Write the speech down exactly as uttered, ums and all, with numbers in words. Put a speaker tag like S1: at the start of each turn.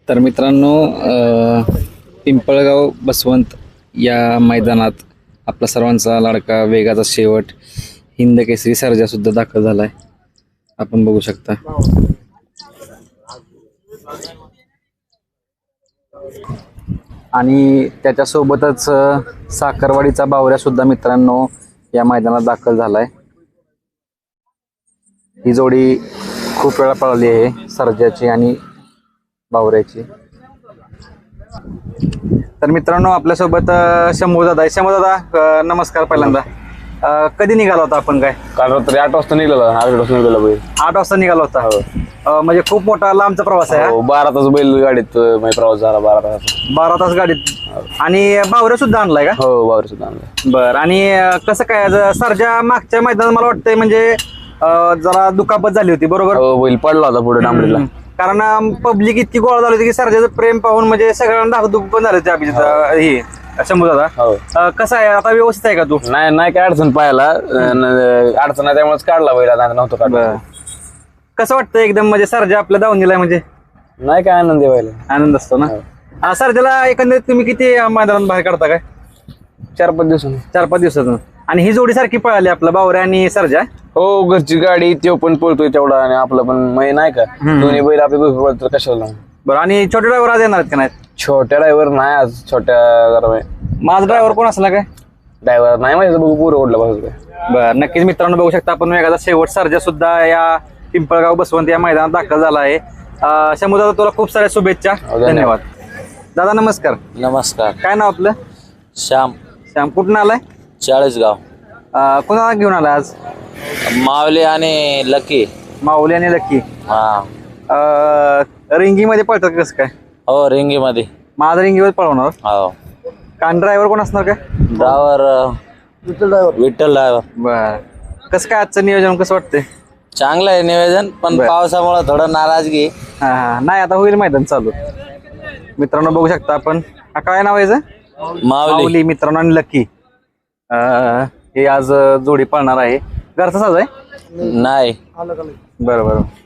S1: तर मित्रांनो अ, पिंपळगाव बसवंत या मैदानात आपला सर्वांचा लाडका वेगाचा शेवट हिंद केसरी सर्जा सुद्धा दाखल झालाय. आपण बघू शकता. आणि त्याच्यासोबतच अ, साखरवाडीचा बावऱ्या सुद्धा मित्रांनो या मैदानात दाखल झालाय. ही जोडी खूप वेळा पळाली आहे सर्जाची आणि बावऱ्याची. तर मित्रांनो आपल्यासोबत शंभू दादा आहे. शंभू दादा अ, नमस्कार. पहिल्यांदा अ, कधी निघाला होता आपण? काय
S2: काल रात्री आठ वाजता निघाला आठ वाजता निघाला बैल
S1: आठ वाजता निघाला होता. अ, म्हणजे खूप मोठा लांबचा प्रवास आहे.
S2: हो, बारा तास बैल गाडीत म्हणजे प्रवास झाला बारा तास.
S1: बारा तास गाडीत. आणि बावऱ्या सुद्धा आणलाय का?
S2: हो बावर सुद्धा आणलं.
S1: बर. आणि अ, कसं काय ज- सर्जा मागच्या मैदानात मला वाटतंय म्हणजे अ, जरा दुखापत झाली होती बरोबर?
S2: हो बैल पडला होता पुढे डांबरीला.
S1: कारण पब्लिक इतकी गोळा झाली होती की सर्जाचं प्रेम पाहून म्हणजे सगळ्यांना धाकधूक पण झालं होती अभिजित अ, हे शंभू दादा.
S2: हो
S1: अ, कसं आहे आता? व्यवस्थित आहे का तू?
S2: नाही नाही काय अडचण पाहायला अडचण नाही त्यामुळेच काढला बैल आता नव्हतं काढला.
S1: कसं वाटतं एकदम म्हणजे सर्जा आपल्या दावणीला आहे म्हणजे
S2: नाही काय आनंद आहे बैल.
S1: आनंद असतो ना? अ, सर्जाला एकंदरीत तुम्ही किती अ, मैदानात बाहेर काढता काय?
S2: चार पाच दिवसांनी.
S1: चार पाच दिवसातून. आणि ही जोडी सारखी पळाली आपला बावऱ्या आणि सर्जा?
S2: हो घरची गाडी तो पण पळतोय तेवढा आणि आपलं पण मै नाही का दोन्ही बैल आपले भरपूर पळतात कशाला लावून.
S1: बरं. आणि छोटे ड्रायव्हर आज येणार आहेत का नाही?
S2: छोट्या ड्रायव्हर नाही आज छोट्या जरा
S1: माझा ड्रायव्हर कोण असला काय?
S2: ड्रायव्हर नाही माहिती बघू पुरं ओढलं पाहिजे.
S1: बरं. नक्कीच मित्रांनो बघू शकता आपण वेगाचा शेवट सर्जा सुद्धा या पिंपळगाव बसवंत या मैदानात दाखल झाला आहे. अ, शंभू दादा तुला खूप साऱ्या शुभेच्छा.
S2: धन्यवाद.
S1: धन्यवाद दादा. नमस्कार.
S3: नमस्कार.
S1: काय नाव आपलं?
S3: श्याम.
S1: श्याम. कुठून आलाय?
S3: चाळीसगाव.
S1: अ, कोणाला घेऊन आलाय आज?
S3: मावले आणि लकी.
S1: माऊली आणि लक्की.
S3: हा.
S1: रिंगी मध्ये पळतात कसं काय?
S3: हो रिंगीमध्ये.
S1: माझा रिंगीवर पळवणार.
S3: हो.
S1: कान ड्रायव्हर कोण असणार काय?
S3: Driver Vitthal driver.
S1: बर. कसं काय आजचं नियोजन कसं वाटतंय?
S3: चांगलं आहे नियोजन पण
S1: बर.
S3: पावसामुळे थोडं नाराजगी.
S1: हा हा. नाही आता होईल मैदान चालू. मित्रांनो बघू शकता आपण. हा काय नाव आहे याचं?
S3: मावली.
S1: माऊली मित्रांनो आणि लकी. अं, हे आज जोडी पळणार आहे. घरचा साज आहे?
S3: नाही.
S1: बरं बरं.